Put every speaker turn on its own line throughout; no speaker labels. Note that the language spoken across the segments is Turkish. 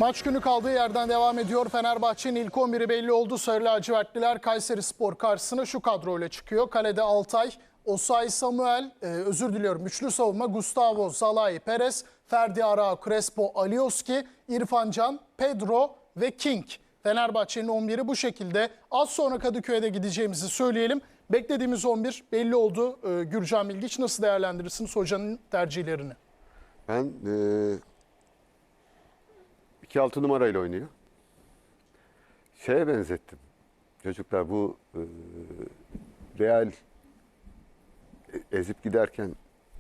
Maç günü kaldığı yerden devam ediyor. Fenerbahçe'nin ilk 11'i belli oldu. Sarı lacivertliler Kayserispor karşısına şu kadroyla çıkıyor. Kalede Altay, Osayi Samuel, üçlü savunma Gustavo, Zalai, Perez, Ferdi Arao, Crespo, Alioski, İrfan Can, Pedro ve King. Fenerbahçe'nin 11'i bu şekilde. Az sonra Kadıköy'e de gideceğimizi söyleyelim. Beklediğimiz 11 belli oldu. Gürcan Bilgiç, nasıl değerlendirirsiniz hocanın tercihlerini?
Ben 2-6 numarayla oynuyor. Şeye benzettim. Çocuklar bu Real ezip giderken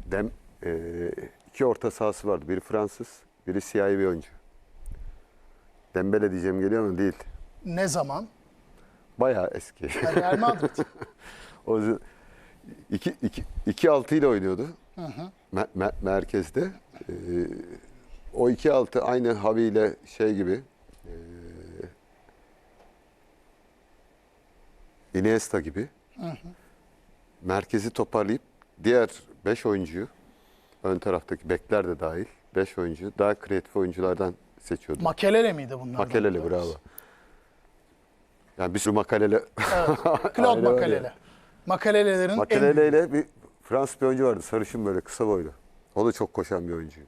iki orta sahası vardı. Biri Fransız, biri siyahi bir oyuncu. Dembele diyeceğim geliyor mu? Değil.
Ne zaman?
Bayağı eski.
Real Madrid.
O 2-6 ile oynuyordu. Merkezde. O 2-6 aynı Havi ile şey gibi. Iniesta gibi. Merkezi toparlayıp diğer 5 oyuncuyu, ön taraftaki bekler de dahil 5 oyuncu daha kreatif oyunculardan seçiyordu.
Makelele miydi bunlar?
Makelele, bravo. Yani bir sürü Makelele.
Evet. Claude Makelele. Makelelerin
Makelele ile bir Fransız bir oyuncu vardı. Sarışın, böyle kısa boylu. O da çok koşan bir oyuncuydu.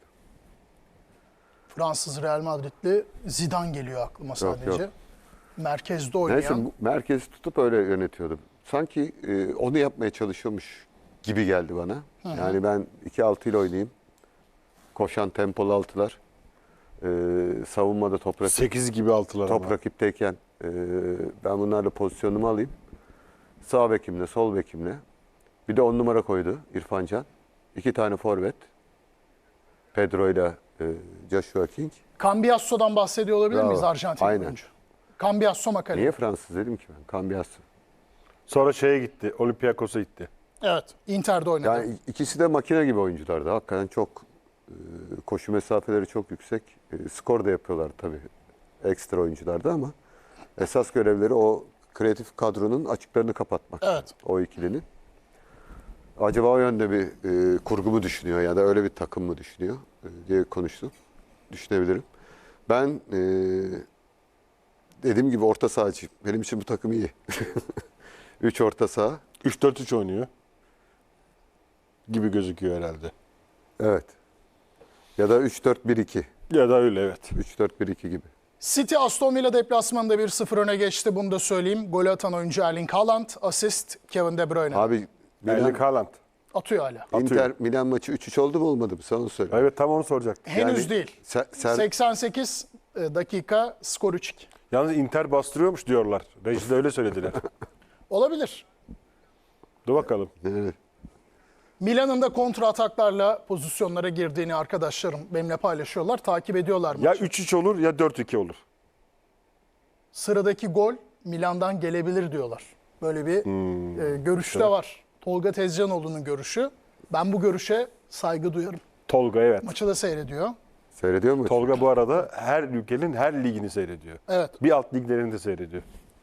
Fransız Real Madridli Zidane geliyor aklıma sadece.
Yok.
Merkezde oynayan.
Neyse, merkezi tutup öyle yönetiyordu. Sanki onu yapmaya çalışıyormuş gibi geldi bana. Yani ben 2-6 ile oynayayım. Koşan tempolu altılar. Savunmada top
8 gibi altılar ama.
rakipteyken ben bunlarla pozisyonumu alayım. Sağ bekimle, sol bekimle. Bir de 10 numara koydu İrfan Can. 2 tane forvet. Pedro ile Joshua King.
Cambiasso'dan bahsediyor olabilir
Bravo.
miyiz, Arjantin
Aynen.
oyuncu? Cambiasso Makelele.
Niye Fransız dedim ki ben? Cambiasso.
Sonra şeye gitti. Olympiakos'a gitti.
Evet, Inter'de oynadı.
Yani ikisi de makine gibi oyunculardı. Hakikaten çok koşu mesafeleri çok yüksek. Skor da yapıyorlar tabii. Ekstra oyunculardı ama esas görevleri o kreatif kadronun açıklarını kapatmak.
Evet.
O ikilinin. Acaba o yönde bir kurgu mu düşünüyor ya da öyle bir takım mı düşünüyor diye konuştum. Düşünebilirim. Ben dediğim gibi orta sahacıyım. Benim için bu takım iyi. 3 orta saha.
3-4-3 oynuyor. Gibi gözüküyor herhalde.
Evet. Ya da 3-4-1-2.
Ya da öyle, evet.
3-4-1-2 gibi.
City Aston Villa deplasmanında 1-0 öne geçti. Bunu da söyleyeyim. Golü atan oyuncu Erling Haaland, asist Kevin De Bruyne.
Abi
Erling Haaland.
Atıyor hala.
Inter Milan maçı 3-3 oldu mu olmadı mı? Sana onu söyle.
Evet, tam onu soracaktım.
Henüz
Yani
değil.
sen
88 dakika, skor 3-2.
Yalnız Inter bastırıyormuş diyorlar. Rejide öyle söylediler.
Olabilir.
Dur bakalım.
evet.
Milan'ın da kontra ataklarla pozisyonlara girdiğini arkadaşlarım benimle paylaşıyorlar. Takip ediyorlar
Ya
maçı.
3-3 olur ya 4-2 olur.
Sıradaki gol Milan'dan gelebilir diyorlar. Böyle bir görüş de var. Tolga Tezcanoğlu'nun görüşü. Ben bu görüşe saygı duyarım.
Tolga, evet.
Maçı da seyrediyor.
Seyrediyor mu?
Tolga bu arada her ülkenin her ligini seyrediyor.
Evet.
Bir alt liglerini de seyrediyor.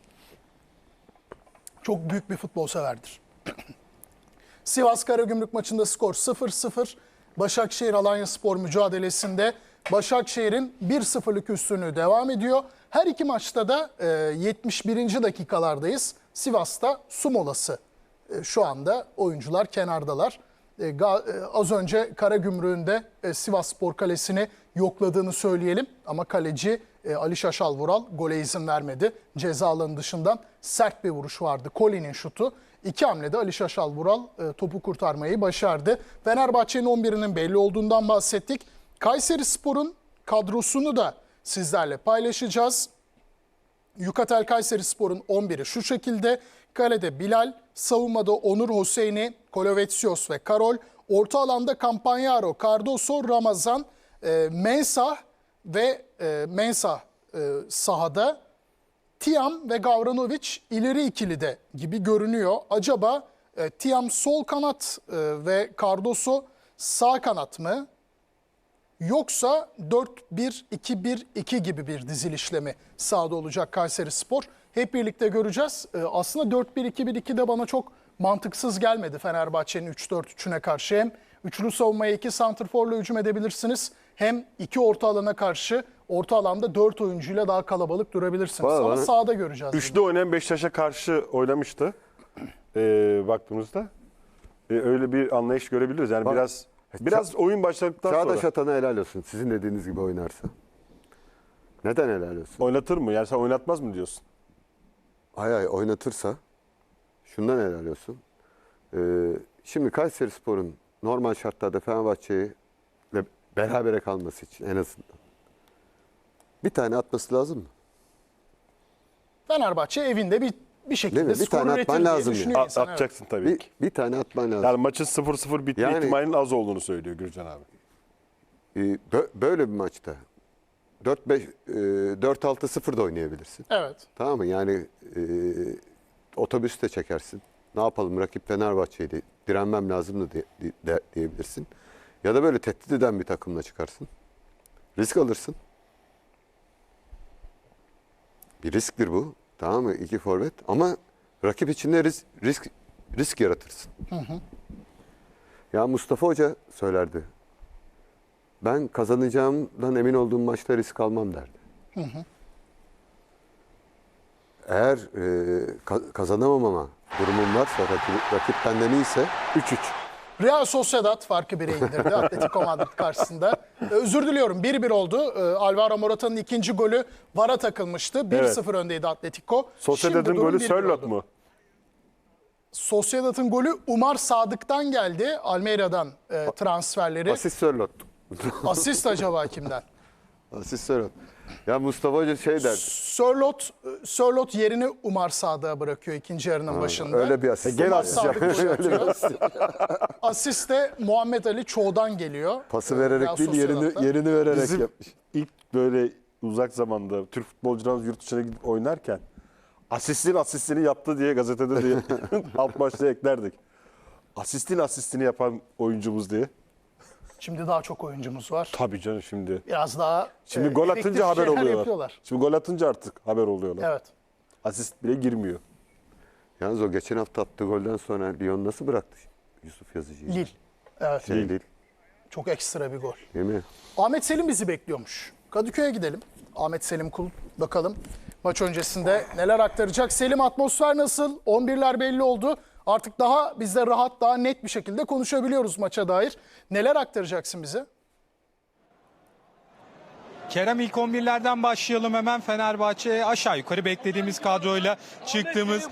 Çok büyük bir futbol severdir. Sivas Karagümrük maçında skor 0-0. Başakşehir Alanyaspor mücadelesinde Başakşehir'in 1-0'lık üstünlüğü devam ediyor. Her iki maçta da 71. dakikalardayız. Sivas'ta su molası. Şu anda oyuncular kenardalar. Az önce Karagümrük'ün de Sivasspor kalesini yokladığını söyleyelim. Ama kaleci Ali Şaşal Vural gole izin vermedi. Ceza alanı dışından sert bir vuruş vardı. Koli'nin şutu. İki hamlede Ali Şaşal Vural topu kurtarmayı başardı. Fenerbahçe'nin 11'inin belli olduğundan bahsettik. Kayserispor'un kadrosunu da sizlerle paylaşacağız. Yukatel Kayserispor'un 11'i şu şekilde. Kalede Bilal, savunmada Onur Hüseyin'i, Kolovetsios ve Karol. Orta alanda Campagnaro, Cardoso, Ramazan, Mensah ve sahada. Tiam ve Gavranovic ileri ikilide gibi görünüyor. Acaba Tiam sol kanat ve Cardoso sağ kanat mı? Yoksa 4-1-2-1-2 gibi bir dizilişle mi sahada olacak Kayserispor? Hep birlikte göreceğiz. Aslında 4-1-2-1-2 de bana çok mantıksız gelmedi Fenerbahçe'nin 3-4-3'üne karşı. Hem üçlü savunmaya 2 santrforla hücum edebilirsiniz. Hem 2 orta alana karşı orta alanda 4 oyuncuyla daha kalabalık durabilirsiniz.
Vallahi
Ama
bana-
sahada göreceğiz.
Üçlü oynayan Beşiktaş'a karşı oynamıştı. Baktığımızda. Öyle bir anlayış görebiliriz. Yani
Bak-
biraz oyun başladıktan
Çağdaş
sonra
Atan'a helal olsun. Sizin dediğiniz gibi oynarsa. Neden helal olsun?
oynatır mı? Yani sen oynatmaz mı diyorsun?
Hay oynatırsa şundan helal olsun. Şimdi Kayserispor'un normal şartlarda Fenerbahçe'yle berabere kalması için en azından bir tane atması lazım mı?
Fenerbahçe evinde bir
Değil
şekilde
mi? Bir
skor
tane
üretir
atman
diye
lazım
düşünüyor
ya.
insan, evet.
Atacaksın tabii ki.
Bir tane atman lazım.
Yani maçın 0-0 bitme
Yani-
ihtimalinin az olduğunu söylüyor Gürcan abi.
Böyle bir maçta 4-6-0 da oynayabilirsin.
Evet.
Tamam mı? Yani otobüs de çekersin. Ne yapalım, rakip Fenerbahçe'ydi. Direnmem lazımdı diyebilirsin. Ya da böyle tehdit eden bir takımla çıkarsın. Risk alırsın. Bir risktir bu. Tamam mı? 2 forvet. Ama rakip içinde risk yaratırsın. Ya Mustafa Hoca söylerdi. Ben kazanacağımdan emin olduğum maçta risk almam derdi. Eğer kazanamama durumum varsa, rakip benden iyiyse 3-3.
Real Sociedad farkı 1'e indirdi Atletico Madrid karşısında. Özür diliyorum, 1-1 oldu. Alvaro Morata'nın ikinci golü VAR'a takılmıştı. 1-0 öndeydi Atletico.
Sociedad'ın
Şimdi durum
golü
1-1
Sörloth
oldu.
mu?
Sociedad'ın golü Umar Sadık'tan geldi. Almeyra'dan transferleri.
Asist Sörloth.
Asist acaba kimden?
Asist Sörloth. Ya Mustafa Hoca şey der.
Sörloth yerini Umar Sadık'a bırakıyor ikinci yarının başında.
Öyle bir asist.
Gel
Umar
asist
Sadık
yap.
golü atıyor. Asist de Muhammed Ali Çoğ'dan geliyor.
Pası
Real
vererek değil,
Sociedad'da.
yerini vererek
Bizim
yapmış.
ilk böyle uzak zamanda Türk futbolcularımız yurt dışına gidip oynarken asistini yaptı diye gazetede diye alt başta eklerdik. Asistini yapan oyuncumuz diye.
Şimdi daha çok oyuncumuz var.
Tabii canım şimdi.
Biraz daha
Şimdi gol
efektif
atınca haber
şeyler
oluyorlar.
yapıyorlar.
Şimdi gol atınca artık haber oluyorlar.
Evet.
Asist bile girmiyor.
Yalnız o geçen hafta attığı golden sonra Lyon nasıl bıraktı Yusuf Yazıcı'yı?
Lille. Evet.
Değil.
Çok ekstra bir gol.
Değil mi?
Ahmet Selim bizi bekliyormuş. Kadıköy'e gidelim. Ahmet Selim Kul bakalım maç öncesinde neler aktaracak. Selim, atmosfer nasıl? 11'ler belli oldu. Artık daha biz de rahat, daha net bir şekilde konuşabiliyoruz maça dair. Neler aktaracaksın bize?
Kerem, ilk 11'lerden başlayalım hemen. Fenerbahçe aşağı yukarı beklediğimiz kadroyla çıktığımız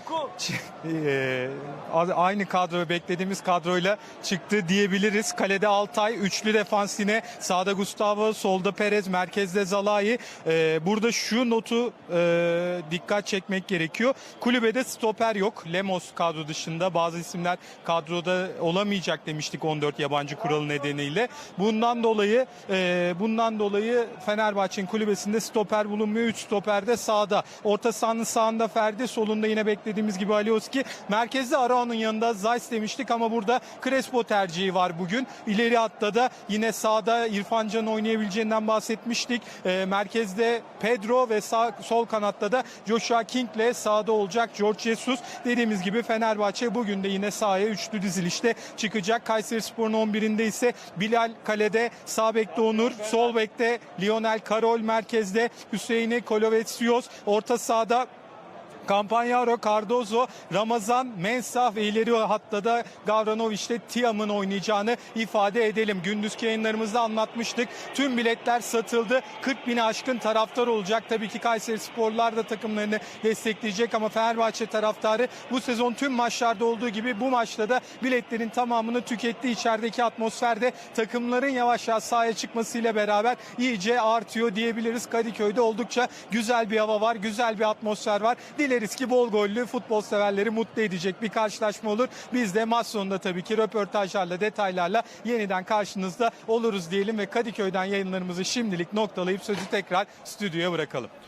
aynı kadro, beklediğimiz kadroyla çıktı diyebiliriz. Kalede Altay, üçlü defans yine, sağda Gustavo, solda Perez, merkezde Zalai. Burada şu notu dikkat çekmek gerekiyor. Kulübede stoper yok. Lemos kadro dışında, bazı isimler kadroda olamayacak demiştik 14 yabancı kuralı nedeniyle. Bundan dolayı Fenerbahçe'nin kulübesinde stoper bulunmuyor. 3 stoper de sağda. Orta sahanın sağında Ferdi, solunda yine beklediğimiz gibi Alioski. Merkezde Arao'nun yanında Zayt demiştik ama burada Crespo tercihi var bugün. İleri hatta da yine sağda İrfan Can'ın oynayabileceğinden bahsetmiştik. Merkezde Pedro ve sol kanatta da Joshua King'le sağda olacak George Jesus. Dediğimiz gibi Fenerbahçe bugün de yine sahaya üçlü dizilişte çıkacak. Kayserispor'un 11'inde ise Bilal kalede, sağ bekte Onur, sol bekte Lionel Karol, merkezde Hüseyin'i Kolovetsios, orta sahada Campagnaro, Cardozo, Ramazan, Mensah ve ileri hatta da Gavranoviç'te Tiam'ın oynayacağını ifade edelim. Gündüzki yayınlarımızda anlatmıştık. Tüm biletler satıldı. 40 bini aşkın taraftar olacak. Tabii ki Kayserisporlular da takımlarını destekleyecek ama Fenerbahçe taraftarı bu sezon tüm maçlarda olduğu gibi bu maçta da biletlerin tamamını tüketti. İçerideki atmosferde takımların yavaş yavaş sahaya çıkmasıyla beraber iyice artıyor diyebiliriz. Kadıköy'de oldukça güzel bir hava var, güzel bir atmosfer var. Dileriz ki bol gollü, futbol severleri mutlu edecek bir karşılaşma olur. Biz de maç sonunda tabii ki röportajlarla, detaylarla yeniden karşınızda oluruz diyelim ve Kadıköy'den yayınlarımızı şimdilik noktalayıp sözü tekrar stüdyoya bırakalım.